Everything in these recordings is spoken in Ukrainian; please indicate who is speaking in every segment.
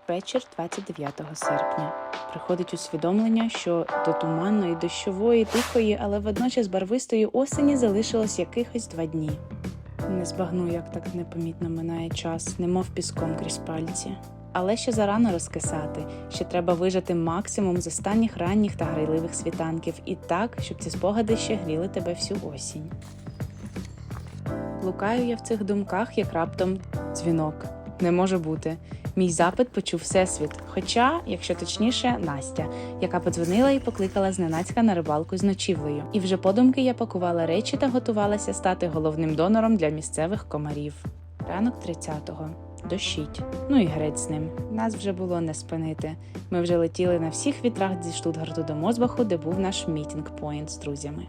Speaker 1: Вечір 29 серпня. Приходить усвідомлення, що до туманної, дощової, тихої, але водночас барвистої осені залишилось якихось 2 дні. Не збагну, як так непомітно минає час, немов піском крізь пальці. Але ще зарано розкисати, ще треба вижати максимум з останніх ранніх та грайливих світанків і так, щоб ці спогади ще гріли тебе всю осінь. Блукаю я в цих думках, як раптом дзвінок. Не може бути. Мій запит почув Всесвіт, хоча, якщо точніше, Настя, яка подзвонила і покликала зненацька на рибалку з ночівлею. І вже подумки я пакувала речі та готувалася стати головним донором для місцевих комарів. Ранок 30-го. Дощить. Ну і грець з ним. Нас вже було не спинити. Ми вже летіли на всіх вітрах зі Штутгарту до Мосбаху, де був наш мітінг-пойнт з друзями.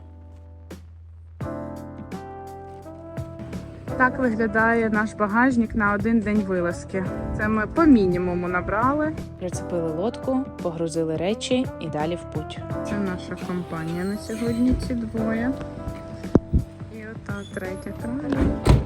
Speaker 1: Так виглядає наш багажник на 1 день вилазки. Це ми по мінімуму набрали. Прицепили лодку, погрузили речі і далі в путь. Це наша компанія на сьогодні, ці двоє. І ота третя краля.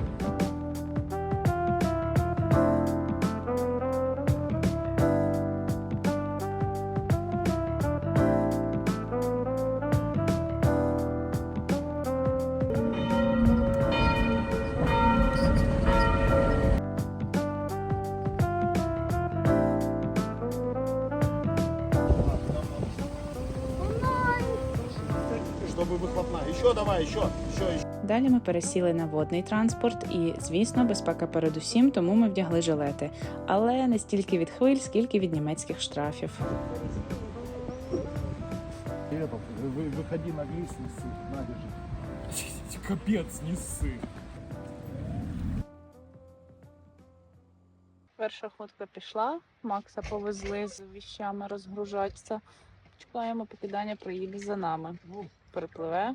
Speaker 1: Далі ми пересіли на водний транспорт і, звісно, безпека передусім, тому ми вдягли жилети. Але не стільки від хвиль, скільки від німецьких штрафів.
Speaker 2: Виходи на глис, не ссы, на, держи.
Speaker 3: Капець, не ссы.
Speaker 1: Перша ходка пішла, Макса повезли з віщами розгружатися. Чекаємо, поки Даня приїде за нами. Перепливе.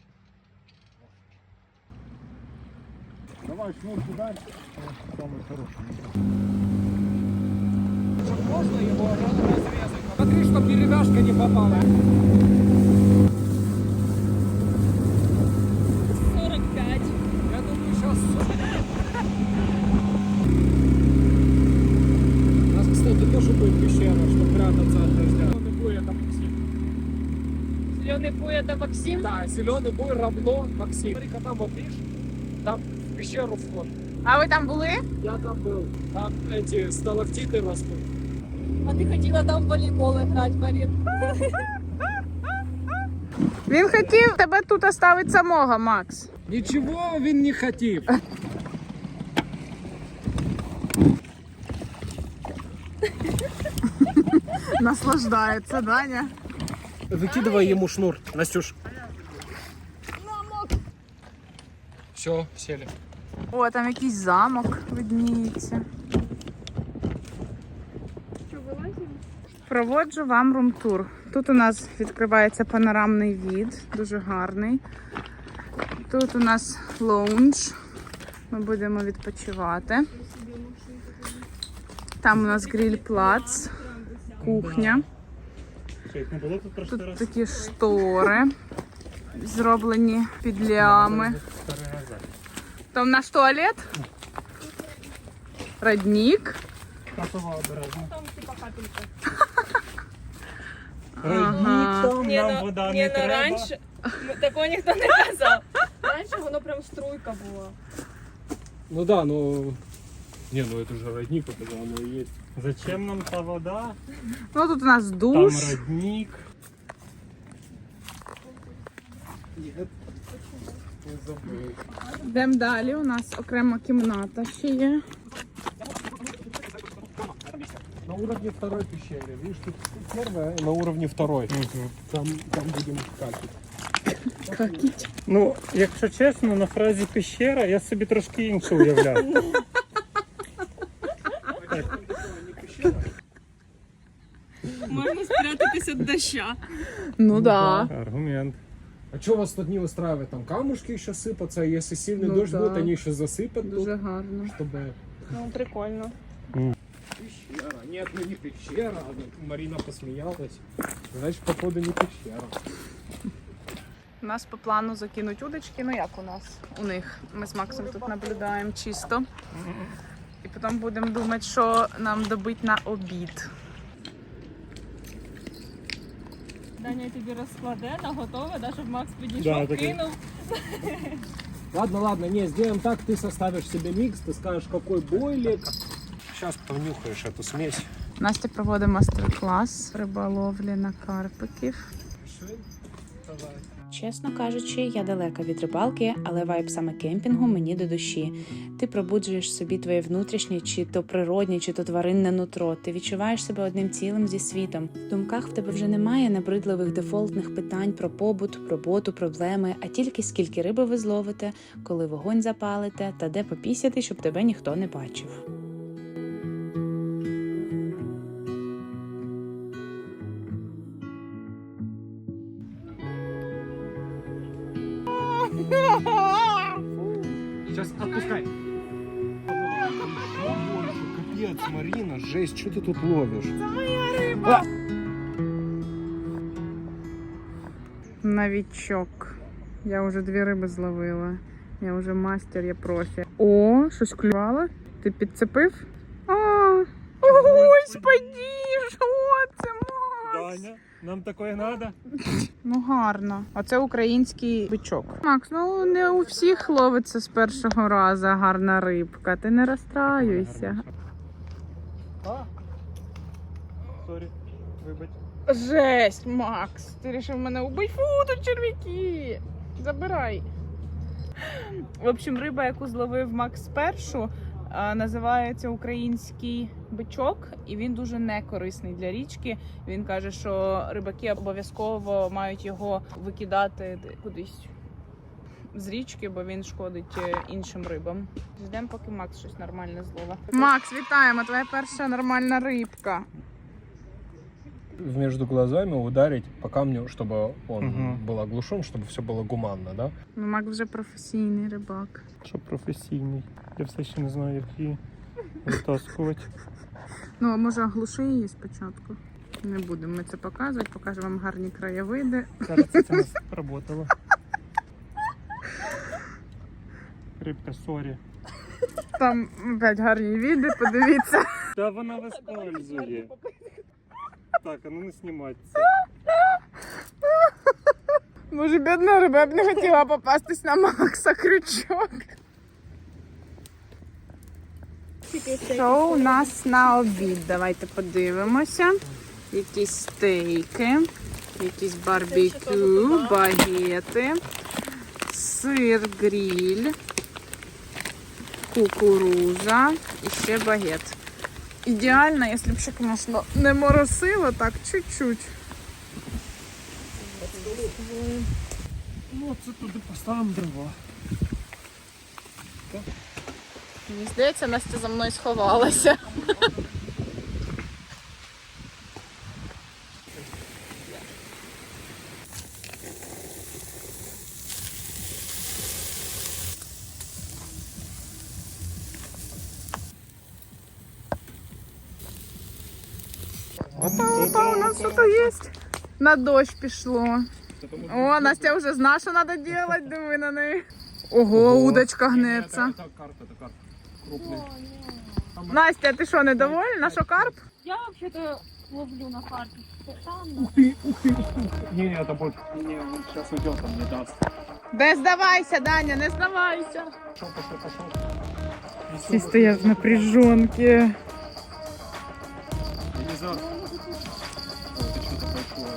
Speaker 2: Давай шнур туда. Самый хороший.
Speaker 3: Можно его разрезать? Смотри, чтоб деревяшка не попала.
Speaker 1: 45.
Speaker 3: Я думаю, сейчас... У нас, кстати, тоже будет пещера, чтобы прятаться от дождя. Зеленый буй — это Максим.
Speaker 1: Зелений буй – це Максим?
Speaker 3: Да, зеленый буй равно Максим. Смотри-ка там вот, видишь, там в пещеру вход.
Speaker 1: А ви там були?
Speaker 3: Я там был. Там эти сталактиты растут.
Speaker 4: А ти хотіла там в волейбол грати, Марін?
Speaker 1: Він хотів тебе тут оставити самого, Макс.
Speaker 3: Ничего він не хотів.
Speaker 1: Наслаждається, Даня.
Speaker 3: Выкидывай ему шнур, Настюш. Все, сели.
Speaker 1: О, там якийсь замок видніється. Проводжу вам рум-тур. Тут у нас відкривається панорамний від, дуже гарний. Тут у нас лоунж. Ми будемо відпочивати. Там у нас гриль-плац, кухня. Тут такі штори, зроблені під лями. Там наш туалет, родник.
Speaker 4: Там типа капелька.
Speaker 1: Ага.
Speaker 3: Нам вода не треба.
Speaker 4: Раніше такого ніхто не казав. Раніше воно прям струйка була.
Speaker 3: Ну да, ну... Не, ну это же родник, это оно и есть.
Speaker 5: Зачем нам та вода?
Speaker 1: Ну тут у нас душ.
Speaker 5: Там родник.
Speaker 3: Нет. Не забыл.
Speaker 1: Йдемо далі, у нас окрема кімната ще є.
Speaker 3: На уровне второй пещеры. Видишь, тут первая, на уровне второй. Там будем какать.
Speaker 5: Ну, якщо чесно, на фразі пещера я собі трошки інше уявляв.
Speaker 4: Можна спрятатися від доща.
Speaker 1: Ну да.
Speaker 5: Аргумент.
Speaker 3: А что вас тут не устраивает? Там камушки еще сыпаться, а если сильный
Speaker 1: Ну
Speaker 3: дождь
Speaker 1: да.
Speaker 3: будет, они еще засыпят
Speaker 1: Дуже
Speaker 3: тут,
Speaker 1: гарно.
Speaker 3: чтобы...
Speaker 4: Ну, прикольно.
Speaker 3: Пещера. Нет, ну не пещера. Марина посмеялась. Значит, походу не пещера.
Speaker 1: У нас по плану закинуть удочки, ну як у нас? У них. Ми з Максом тут наблюдаємо чисто. І потім будемо думати, що нам добити на обід.
Speaker 4: Даня тобі розкладе на готове, да, щоб Макс
Speaker 5: Да,
Speaker 4: підійшов,
Speaker 5: таке.
Speaker 4: кинув.
Speaker 3: Ладно, ладно, не, сделаем так, ты составишь себе микс, ты скажешь, какой бойлик. Сейчас понюхаешь эту смесь.
Speaker 1: Настя проводить мастер-клас риболовлі на карпиків.
Speaker 3: Давай.
Speaker 1: Чесно кажучи, я далека від рибалки, але вайб саме кемпінгу мені до душі. Ти пробуджуєш собі твоє внутрішнє, чи то природнє, чи то тваринне нутро. Ти відчуваєш себе одним цілим зі світом. В думках в тебе вже немає набридливих дефолтних питань про побут, роботу, проблеми, а тільки скільки риби ви зловите, коли вогонь запалите та де попісяти, щоб тебе ніхто не бачив.
Speaker 3: Сейчас отпускай. Капец, Марина, жесть, что ты тут ловишь?
Speaker 1: Новічок. Я вже 2 риби зловила. Я вже мастер, я профі. О, щось клювало? Ти підцепив? Ой, спадіж! О, це Макс!
Speaker 5: Даня, нам такое надо?
Speaker 1: Ну гарно. Оце український бичок. Макс, ну не у всіх ловиться з першого разу гарна рибка. Ти не розстраюйся.
Speaker 5: Сорі, вибач.
Speaker 1: Жесть, Макс! Ти вирішив мене убити? Фу, тут черв'яки! Забирай. В общем, риба, яку зловив Макс першу, називається український бичок, і він дуже некорисний для річки. Він каже, що рибаки обов'язково мають його викидати кудись з річки, бо він шкодить іншим рибам. Ждемо, поки Макс щось нормальне зловить. Макс, вітаємо! Твоя перша нормальна рибка.
Speaker 3: Между глазами ударить по камню, чтобы он
Speaker 5: Мгм.
Speaker 3: был оглушен, чтобы все было гуманно, да?
Speaker 1: Ну, Макс вже професійний рибак.
Speaker 5: Що професійний. Я все ще не знаю, як її витаскувати.
Speaker 1: Ну, а може оглуши її спочатку? Не будемо ми це показувати, покажемо вам гарні краєвиди.
Speaker 5: Кажется, це не сработало. Рибка, сорі.
Speaker 1: Там опять гарні види, подивіться.
Speaker 5: Та вона вискользує. Так, а ну не знімати це.
Speaker 1: Може, бідна риба б не хотіла попастись на Макса крючок. Що у нас на обід? Давайте подивимося. Якісь стейки, якісь барбекю, багети, сир гриль, кукуруза і ще багет. Ідеально, якщо б ще, звісно, не моросило, так чуть-чуть.
Speaker 3: Ну, це туди поставимо дрова.
Speaker 1: Мені здається, Настя за мною сховалася. Опа, у нас щось є. На дощ пішло. О, Настя вже знає, що треба робити, диви на неї. Ого, удочка гнеться.
Speaker 3: Это карп, крупный.
Speaker 1: Настя, ти що, недовольна, що карп?
Speaker 4: Я взагалі-то ловлю на карті. Там,
Speaker 3: Не, это будет. Не, он сейчас уйдет, он не даст.
Speaker 1: Не здавайся, Даня, не здавайся.
Speaker 3: Пошел.
Speaker 1: Всі стоять в напряженці.
Speaker 3: Елизар. Ой, это что-то большое.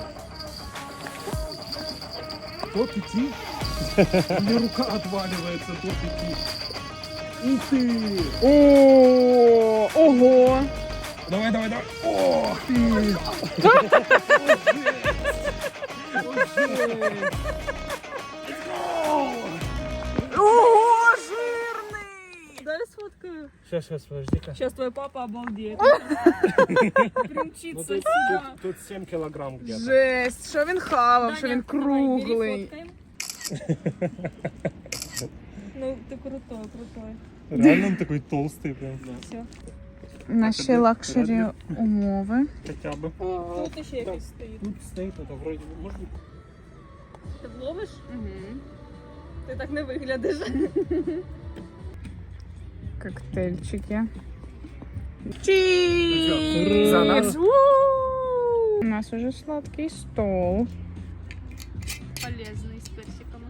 Speaker 3: Тот идти. У меня рука отваливается, тот идти. Ух ты!
Speaker 1: О, ого.
Speaker 3: Давай. Ох ты!
Speaker 1: Ого, жирний.
Speaker 4: дай сфоткаю.
Speaker 5: Сейчас, подожди-ка.
Speaker 4: Сейчас твой папа обалдеет. Примчится
Speaker 3: Ну,
Speaker 4: сюда.
Speaker 3: тут 7 килограмм где-то.
Speaker 1: Жесть, що він хавав, що
Speaker 4: Даня,
Speaker 1: він
Speaker 4: давай, бери,
Speaker 1: круглий.
Speaker 4: фоткаем. Ну, ты крутой.
Speaker 5: Реально он такой толстый прям.
Speaker 4: Все.
Speaker 1: Наші лакшері умови.
Speaker 5: Хотя бы.
Speaker 4: Тут ще якийсь стоїть.
Speaker 3: Тут стоит это вроде, может быть,
Speaker 4: Ти вловиш? Ти так не виглядиш.
Speaker 1: Коктейльчики. Чіз!
Speaker 2: За нас.
Speaker 1: У нас уже сладкий стол.
Speaker 4: Полезний з персиками.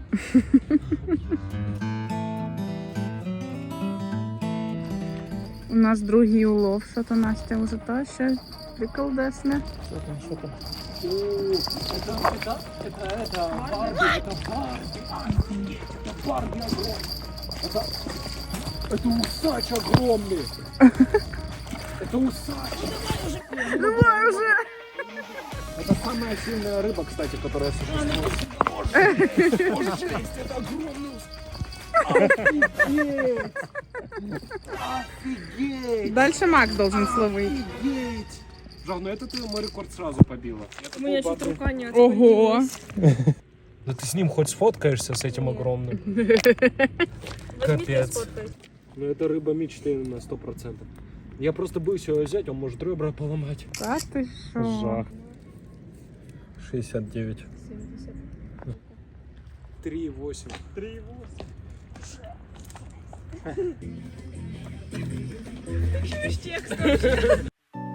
Speaker 1: У нас другий улов, що то Настя вже та ще приколдесне.
Speaker 2: Что там?
Speaker 3: Это усач огромный. Это усач.
Speaker 1: Давай уже!
Speaker 3: Это самая сильная рыба, кстати, которая существует. Боже, жесть, это огромный усач. Офигеть! Офигеть!
Speaker 1: Дальше Макс должен словить.
Speaker 3: Офигеть! Жав, ну это ты мой рекорд сразу побила.
Speaker 4: У мене чуть рука не
Speaker 1: Ого!
Speaker 3: Да ты с ним хоть сфоткаешься, с этим огромным? Капец. Ну это рыба мечты на 100%. Я просто боюсь его взять, он может ребра поломать.
Speaker 1: Та ти що?
Speaker 5: Жах.
Speaker 3: 69. 3,8. 3,8.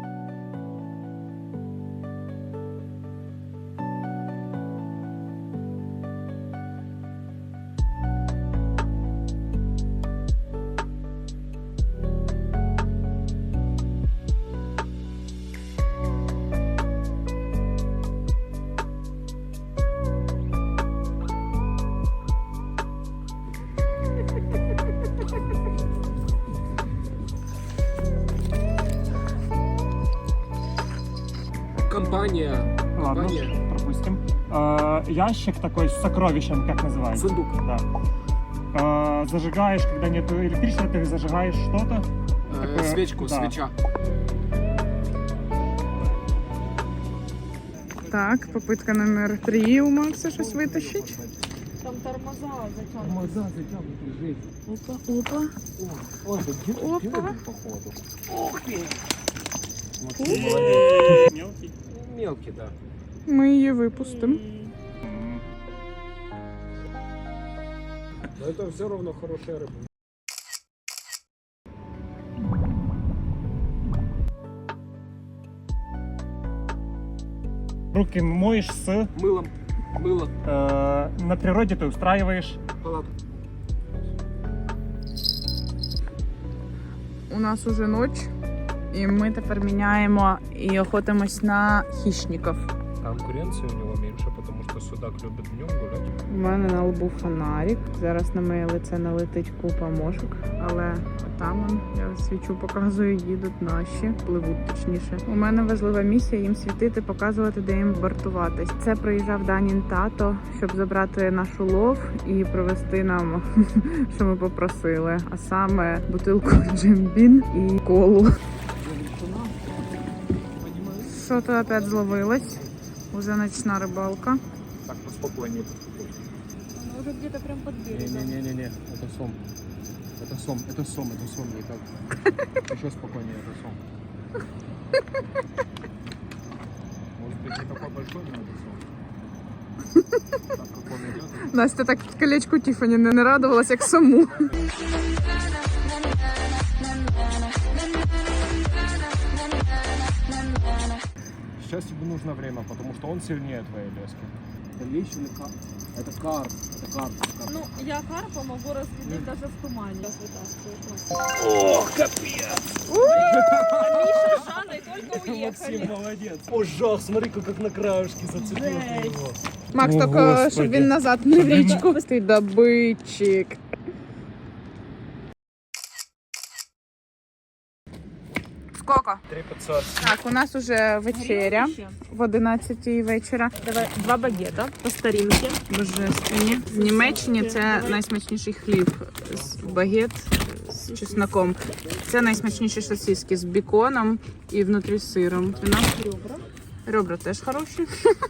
Speaker 3: Компания.
Speaker 5: Ладно,
Speaker 3: Компания.
Speaker 5: пропустим. Ящик такой с сокровищем, как называется?
Speaker 3: Сундук.
Speaker 5: Да. Зажигаешь, когда нет электричества, ты зажигаешь что-то. Такое,
Speaker 3: Свечку,
Speaker 5: да.
Speaker 3: свеча.
Speaker 1: Так, попитка номер 3 у Макса щось витащить.
Speaker 4: Там тормоза затягнуті.
Speaker 3: Тормоза затянуты, жесть.
Speaker 1: Опа, опа.
Speaker 3: Ой, это
Speaker 1: Опа.
Speaker 3: дюбель, походу. Ух ты!
Speaker 5: Мелкий.
Speaker 3: Мелкий, да.
Speaker 1: Ми її випустимо.
Speaker 3: Но это все равно хорошая рыба.
Speaker 5: Руки моешь с...
Speaker 3: Мылом. Мыло.
Speaker 5: На природе ты устраиваешь.
Speaker 3: Палатку.
Speaker 1: У нас уже ніч, і ми тепер міняємо і охотимось на хищників.
Speaker 3: Конкуренция у него меньше, потому что судак любит днем гулять.
Speaker 1: У мене на лбу фонарик. Зараз на моє лице налетить купа мошок, але там он, я свічу показую, їдуть наші, пливуть точніше. У мене важлива місія їм світити, показувати, де їм вартуватись. Це приїжджав Данін тато, щоб забрати наш улов і привезти нам, що ми попросили. А саме бутилку джембін і колу. Що то опять зловилось? Уже ночна рибалка.
Speaker 3: Так, поспокойнее.
Speaker 4: Воно вже где-то прям під берегом.
Speaker 3: Не-не-не, это сом. Это сом, это сом, это сом, никак. Еще спокойнее, это сом. Может быть, не такой большой, но это сом. Так, как он идет.
Speaker 1: Настя так колечку Тіфані не радувалась, як саму.
Speaker 3: Сейчас тебе нужно время, потому что он сильнее твоей лески. Это лещ или карп? Это карп. Это карп.
Speaker 4: Ну, я карпа могу разглядеть даже в тумане.
Speaker 3: Ох, капец!
Speaker 4: Миша с Жанной только уехали.
Speaker 3: молодец. О, жах, смотри-ка, как на краешке зацепил его.
Speaker 1: Макс,
Speaker 5: О,
Speaker 1: тільки,
Speaker 5: Господи.
Speaker 1: щоб він назад не в річку. Ти добитчик. Сколько?
Speaker 3: 3500.
Speaker 1: Так, у нас уже вечеря в 11 вечора.
Speaker 4: Давай 2 багета по старинке.
Speaker 1: Божественні. В Німеччині це найсмачніший хліб з багет з чесноком. Це найсмачніші сосиски з беконом і внутрі з сиром. У нас
Speaker 4: Ребра.
Speaker 1: ребра теж хороші.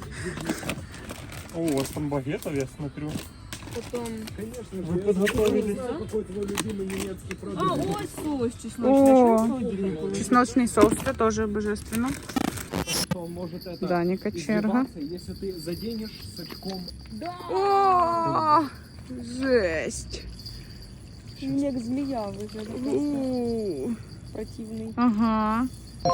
Speaker 5: О, у вас там багетов, я смотрю.
Speaker 4: Потом...
Speaker 3: Конечно,
Speaker 5: Вы подготовились.
Speaker 3: какой твой любимый немецкий
Speaker 4: А,
Speaker 3: продукт.
Speaker 4: ось соус чесночний.
Speaker 1: О.
Speaker 4: Що в холодильнику?
Speaker 1: Чесночний соус, це теж божественно.
Speaker 3: Что может это
Speaker 1: Даніка черга.
Speaker 3: издеваться, если ты заденешь с очком.
Speaker 1: О, жесть.
Speaker 4: Він як змія виглядає.
Speaker 1: У.
Speaker 4: противний.
Speaker 1: Ага.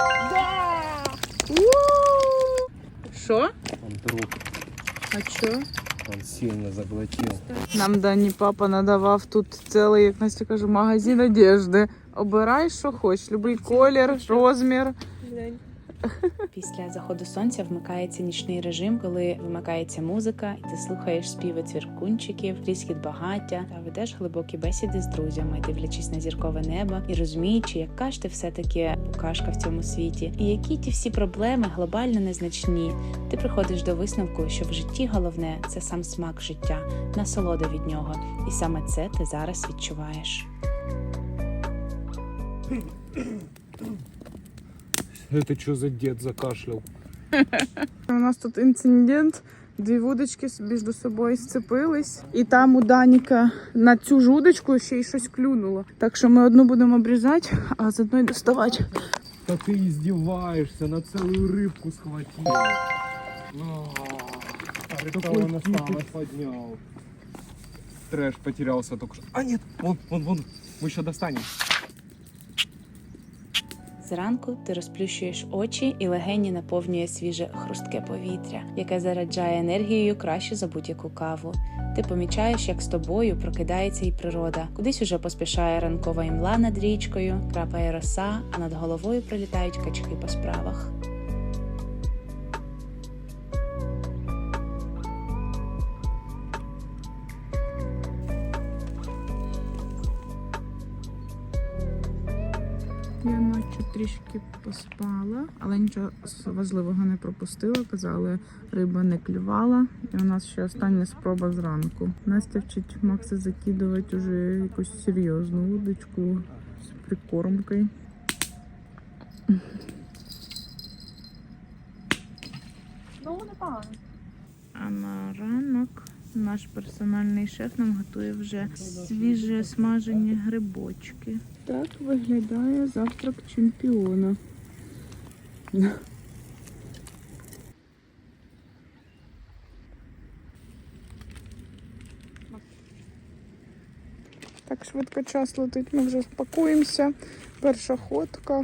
Speaker 1: Що?
Speaker 3: Он друг,
Speaker 1: А що?
Speaker 3: он сильно заглотил.
Speaker 1: Нам Дані папа надавав тут цілий, як Настя каже, магазин одежди. Обирай, що хочеш, будь-який колір, розмір.
Speaker 4: Глянь.
Speaker 1: Після заходу сонця вмикається нічний режим, коли вимикається музика, і ти слухаєш співи цвіркунчиків, тріскіт багаття та ведеш глибокі бесіди з друзями, дивлячись на зіркове небо і розуміючи, яка ж ти все-таки букашка в цьому світі, і які ті всі проблеми глобально незначні. Ти приходиш до висновку, що в житті головне – це сам смак життя, насолода від нього, і саме це ти зараз відчуваєш.
Speaker 3: Это что за дед закашлял?
Speaker 1: У нас тут інцидент. Дві вудочки між собою сцепились. І там у Даніка на цю ж удочку ще й щось клюнуло. Так що ми одну будемо обрізати, а з одної доставати.
Speaker 3: Да ты издеваешься, на целую рыбку схватил. Такой кипиш поднял. Трэш потерялся только что. А нет, вон, мы еще достанем.
Speaker 1: Зранку ти розплющуєш очі і легені наповнює свіже хрустке повітря, яке заряджає енергією краще за будь-яку каву. Ти помічаєш, як з тобою прокидається і природа. Кудись уже поспішає ранкова імла над річкою, крапає роса, а над головою прилітають качки по справах. Я ночі трішки поспала, але нічого важливого не пропустила. Казали, риба не клювала. І у нас ще остання спроба зранку. Настя вчить Макса закидувати вже якусь серйозну удочку з прикормкою.
Speaker 4: Ну, непогано.
Speaker 1: А на ранок наш персональний шеф нам готує вже свіже смажені грибочки. Так виглядає завтрак чемпіона. Так швидко час летить, ми вже пакуємося. Перша ходка.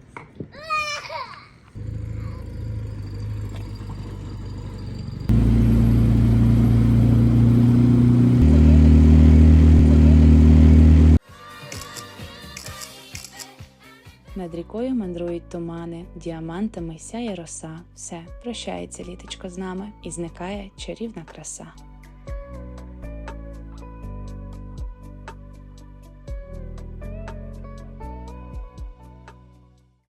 Speaker 1: Над рікою мандрують тумани, діамантами сяє роса. Все, прощається літочко з нами і зникає чарівна краса.